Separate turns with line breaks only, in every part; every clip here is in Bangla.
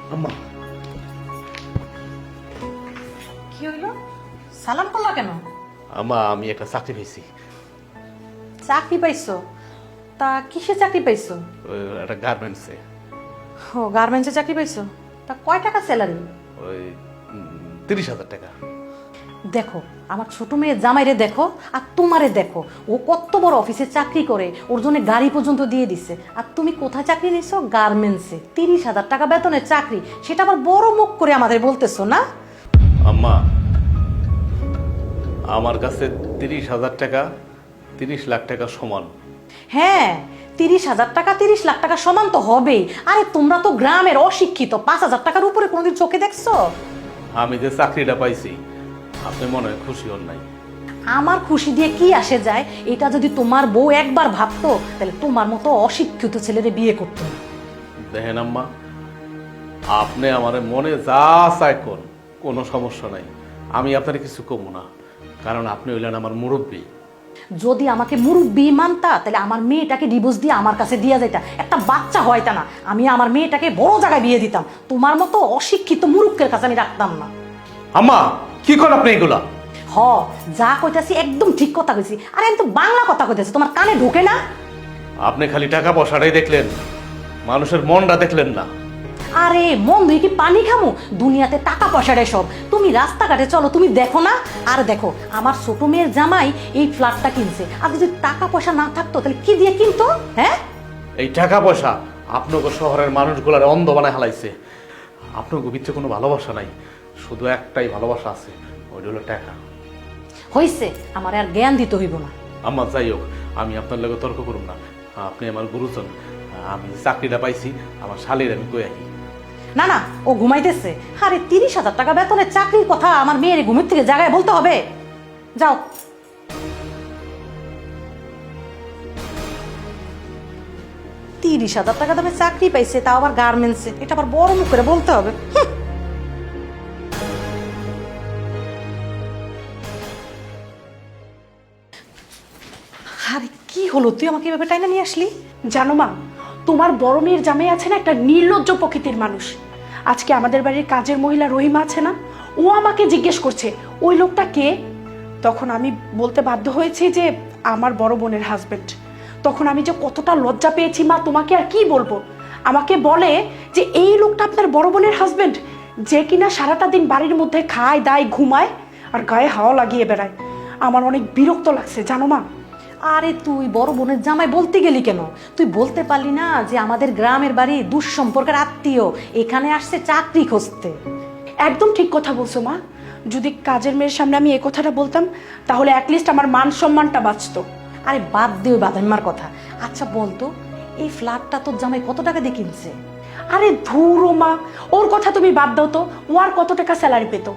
আম্মা
কি হইলো? সালাম করলা কেন?
আম্মা আমি একটা চাকরি পেয়েছি।
চাকরি পাইছো? তা কিসে চাকরি পাইছো?
ওই একটা গার্মেন্টসে।
ও গার্মেন্টসে চাকরি পাইছো? তা কয় টাকা স্যালারি?
ওই 30,000 টাকা।
দেখো আমার ছোট মেয়ে জামাইরে দেখো আর তোমারে দেখো, ও কত বড় অফিসে চাকরি করে, ওর জন্য গাড়ি পর্যন্ত দিয়ে দিছে। আর তুমি কোথায় চাকরি নিছো? গার্মেন্টসে। 30,000 টাকা বেতনের চাকরি, সেটা আবার বড় মুখ করে আমাদের বলতেছো না?
আম্মা আমার কাছে 30,000 টাকা 30 লাখ টাকা সমান।
হ্যাঁ, 30,000 টাকা 30 লাখ টাকা সমান তো হবেই। আরে তোমরা তো গ্রামের অশিক্ষিত, 5,000 টাকার উপরে কোনোদিন চোখে দেখছো?
আমি যে চাকরিটা পাইছি আপনি মনে হয় খুশি হন নাই।
আমার খুশি দিয়ে কি আসে যায়? এটা যদি তোমার বউ একবার ভাবতো তাহলে তোমার মতো অশিক্ষিত ছেলেরে বিয়ে করতো না।
দেখেন আম্মা, আপনি আমার মনে যা চায় কোন, কোনো সমস্যা নাই, আমি আপনার কিছু কমু না, কারণ আপনি হইলেন আমার মুরব্বী।
যদি আমাকে মুরব্বি মানতা তাহলে আমার মেয়েটাকে ডিভোর্স দিয়ে আমার কাছে দিয়ে যেতা, একটা বাচ্চা হয়তা না, আমি আমার মেয়েটাকে বড় জায়গায় বিয়ে দিতাম। তোমার মতো অশিক্ষিত মুরুক্কের কাছে আমি রাখতাম না।
আম্মা কি করেন আপনি এগুলা?
হ, যা কইতাছি একদম ঠিক কথা কইছি। আরে আমি তো বাংলা কথা কইতাছি, তোমার কানে ঢোকে না?
আপনি খালি টাকা পয়সাটাই দেখলেন, মানুষের মনটা দেখলেন না।
আরে মন দুই কি পানি খামু? দুনিয়াতে টাকা পয়সাটাই সব। তুমি রাস্তাঘাটে চলো, তুমি দেখো না? আর দেখো আমার ছোট মেয়ের জামাই এই ফ্ল্যাটটা কিনছে, আর যদি টাকা পয়সা না থাকতো তাহলে কি দিয়ে কিনতো? হ্যাঁ,
এই টাকা পয়সা আপনাকে শহরের মানুষগুলার অন্ধ বানায় হালাইছে। আপনাকে ভিতরে কোনো ভালোবাসা নাই, শুধু একটাই ভালোবাসা আছে, ওইটা হলো টাকা।
হইছে, আমার আর জ্ঞান দিতে হইব না।
আম্মা যাই হোক, আমি আপনার লগে তর্ক করুম না, আপনি আমার গুরুজন। আমি যে চাকরিটা পাইছি আমার শালির আমি কই আহি।
না না, ও ঘুমাইতেছে। আরে 30,000 টাকা বেতনের চাকরির কথা আমার মেয়ের ঘুমের থেকে জায়গায় বলতে হবে? যাও। 30,000 টাকা দামে চাকরি পাইছে, তাও আবার গার্মেন্টসে, এটা আবার বড় মুখ করে বলতে হবে? আরে কি হলো, তুই আমাকে এভাবে টাইনা নিয়ে আসলি?
জানো মা, তোমার বড় মেয়ের জামাই আছে না, একটা নির্লজ্জ প্রকৃতির মানুষ। আজকে আমাদের বাড়ির কাজের মহিলা রহিমা আছে না, ও আমাকে জিজ্ঞেস করছে ওই লোকটা কে। তখন আমি বলতে বাধ্য হয়েছি যে আমার বড় বোনের হাজবেন্ড। তখন আমি যে কতটা লজ্জা পেয়েছি মা, তোমাকে আর কি বলবো। আমাকে বলে যে এই লোকটা আপনার বড় বোনের হাজবেন্ড, যে কিনা সারাটা দিন বাড়ির মধ্যে খায় দায় ঘুমায় আর গায়ে হাওয়া লাগিয়ে বেড়ায়। আমার অনেক বিরক্ত লাগছে জানো মা।
আরে তুই বড় বোনের জামাই বলতে গেলি কেন? তুই বলতে পারলি না যে আমাদের গ্রামের বাড়ি দুঃসম্পর্কের আত্মীয়, এখানে আসছে চাকরি খুঁজতে?
একদম ঠিক কথা বলছো মা। যদি কাজের মেয়ের সামনে আমি এই কথাটা বলতাম তাহলে অ্যাটলিস্ট আমার মান সম্মানটা বাঁচতো।
আরে বাদ দিও বাদাম্মার কথা। আচ্ছা বলতো, এই ফ্ল্যাটটা তোর জামাই কত টাকা দিয়ে কিনছে?
আরে ধুরো মা, ওর কথা তুমি বাদ দাও তো, ও আর কত টাকা স্যালারি পেত?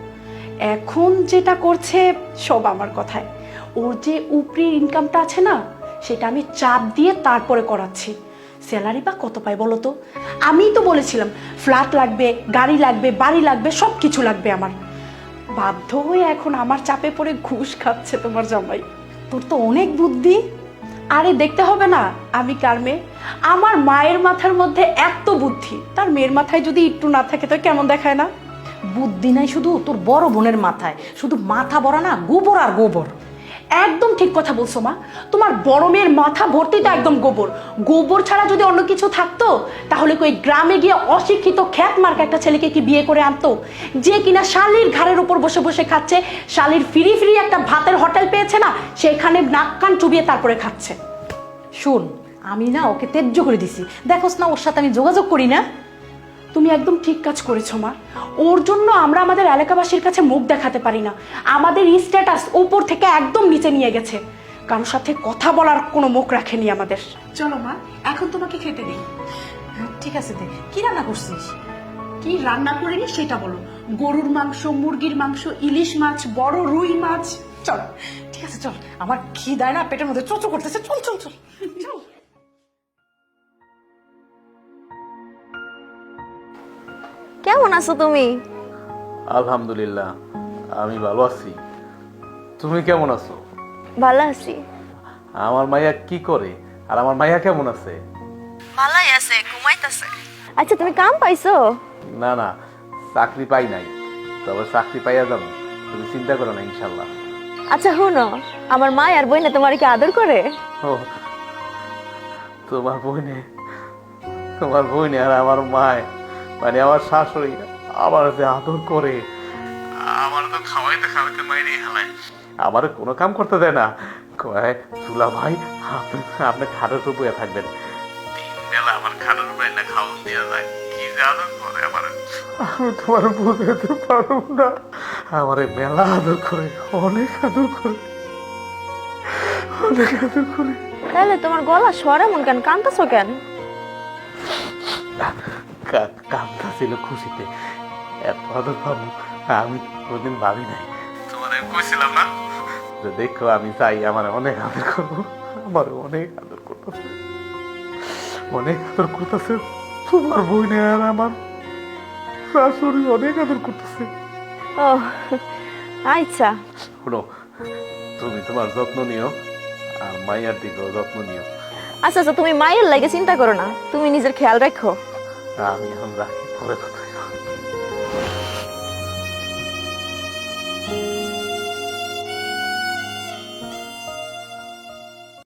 এখন যেটা করছে সব আমার কথায়। ওর যে উপরি ইনকামটা আছে না, সেটা আমি চাপ দিয়ে তারপরে করাচ্ছি। স্যালারি বা কত পাই বলো তো? আমিই তো বলেছিলাম ফ্ল্যাট লাগবে, গাড়ি লাগবে, বাড়ি লাগবে, সব কিছু লাগবে আমার। বাধ্য হয়ে এখন আমার চাপে পড়ে ঘুষ খাচ্ছে তোমার জামাই।
তোর তো অনেক বুদ্ধি।
আরে দেখতে হবে না আমি কার মেয়ে? আমার মায়ের মাথার মধ্যে এত বুদ্ধি, তার মেয়ের মাথায় যদি একটু না থাকে তো কেমন দেখায় না?
বুদ্ধি নাই শুধু তোর বড় বোনের মাথায়, শুধু মাথা ভরা না, গোবর আর গোবর।
একদম ঠিক কথা বলছো মা, তোমার বড় মেয়ের মাথা ভর্তি তো একদম গোবর। গোবর ছাড়া যদি অন্য কিছু থাকতো তাহলে কই গ্রামে গিয়ে অশিক্ষিত খ্যাত মার্কা একটা ছেলেকে কি বিয়ে করে আনতো, যে কিনা শালির ঘাড়ের উপর বসে বসে খাচ্ছে, শালির ফ্রি ফ্রি একটা ভাতের হোটেল পেয়েছে না, সেখানে নাক কান চুবিয়ে তারপরে খাচ্ছে।
শোন, আমি না ওকে ত্যায্য করে দিছি, দেখোস না ওর সাথে আমি যোগাযোগ করি না।
তুমি একদম ঠিক কাজ করেছো মা। ওর জন্য আমরা আমাদের এলাকাবাসীর কাছে মুখ দেখাতে পারি না, আমাদের স্ট্যাটাস উপর থেকে একদম নিচে নিয়ে গেছে, কারোর সাথে কথা বলার কোনো মুখ রাখেনি আমাদের। চলো মা, এখন তোমাকে খেতে দিই।
ঠিক আছে, দে। কি রান্না করছিস?
কি রান্না করিনি সেটা বলো। গরুর মাংস, মুরগির মাংস, ইলিশ মাছ, বড় রুই মাছ। চলো।
ঠিক আছে চল, আমার খিদায় না পেটের মধ্যে চোচো করতেছে, চল চল চল চল।
কেমন আছো তুমি?
আলহামদুলিল্লাহ আমি ভালো আছি, তুমি কেমন আছো?
ভালো আছি।
আমার মাইয়া কি করে আর আমার মাইয়া কেমন আছে?
ভালোই আছে, ঘুমাইতেছে। আচ্ছা তুমি কাম পাইছো?
না না, চাকরি পাই নাই, তবে চাকরি পাইয়া যাবো, তুমি চিন্তা করো না ইনশাল্লাহ।
আচ্ছা হুনো, আমার মা আর বইনে তোমার কি আদর করে?
ও, তোমার বইনে আর আমার মায়, মানে আমার শাশুড়ি আমার যে আদর করে, আমার তো খাওয়াইতে খাওয়াইতে মাইরে হেলায়, আমার কোনো কাম করতে দেয় না। কয় তুলা ভাই, আপনি খাটের উপর বইয়া থাকবেন, তিন বেলা আমার খাটের উপরে না খাওয়া দেওয়া যায়, কি যে আদর করে আমার, আমি তোমার বুঝাতে পারব না। আমারে মেলা আদর করে, অনেক আদর করে, অনেক আদর করে।
তাহলে তোমার গলা স্বর এমন কেন, কাঁদতেছো কেন?
কামটা ছিল খুশিতে, এত আদর পাবো আমি কোনদিন ভাবি নাই। তোমার আমি কইছিলাম না যে দেখো আমি চাই আমার অনেক আদর করবো, আমার অনেক আদর করতেছে, অনেক আদর করতেছে তোমার বইনে আর আমার শাশুড়ি অনেক আদর করতেছে।
ও আচ্ছা,
শোনো, তুমি তোমার যত্ন নিও আর মাইয়ার দিকেও যত্ন নিও।
আচ্ছা আচ্ছা, তুমি মায়ের লাগে চিন্তা করো না, তুমি নিজের খেয়াল রাখো।
আমি এখন রাখি, পরে কথা বলবো।